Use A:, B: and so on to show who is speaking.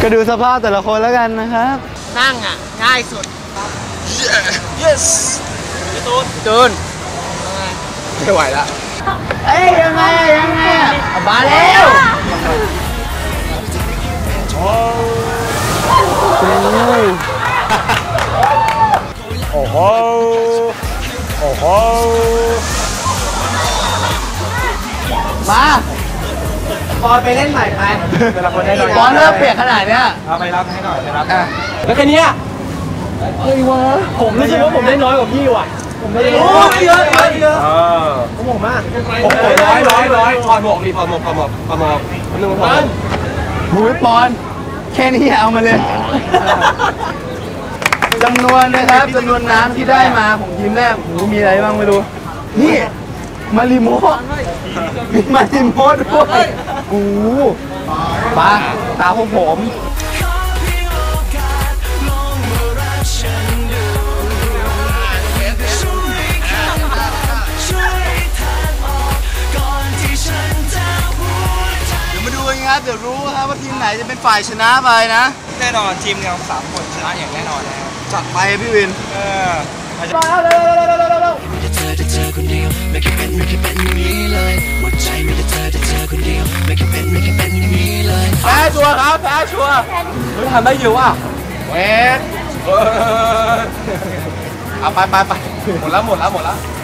A: ก็ดูสภาพแต่ละคนแล้วกันนะครับ
B: นั่งอ่ะง่ายสุด
C: yes
B: จูน
C: ไม่ไหวละ
A: เอ้ยยังไง
B: มาแล้ว
C: โอ้โหโอ้โห
A: มา
B: บอลไปเล่นใหม่ไป
C: แต่ละคนได้หน่อย
A: บอลเริ่มเปียกขนาดเนี้ย
C: เอาไปรับให้หน่อยไปรับ
B: แล้วแค่นี้
A: เฮ้ยวะ
B: ผมรู้สึกว่าผมได้น้อยกว่าพี่ว่ะผมไม่ได้เยอะผมมาก
C: โอ้โหร้อยถอดหมวกดิถอดหมวกนึงถอด
A: หูยปอนแค่นี้เอามาเลยจำนวนนะครับจำนวนน้ำที่ได้มาของทีมแรกหูมีอะไรบ้างไม่รู้นี่มาริโมมีมาริโมด้วยโอ้ปะตาของผมเดี๋ยวรู้ครับว่าทีมไหนจะเป็นฝ่ายชนะไปนะ
C: แน่นอนทีมเรา3 คนชนะอย่างแน่นอนแล้ว
A: จัดไปพี่วิน
B: มาเร็ว
A: แพ้ชัวร์ครับแพ้ชัวร์
C: ทำได้เยอะว่ะ
A: เวทเอาไปหมดแล้ว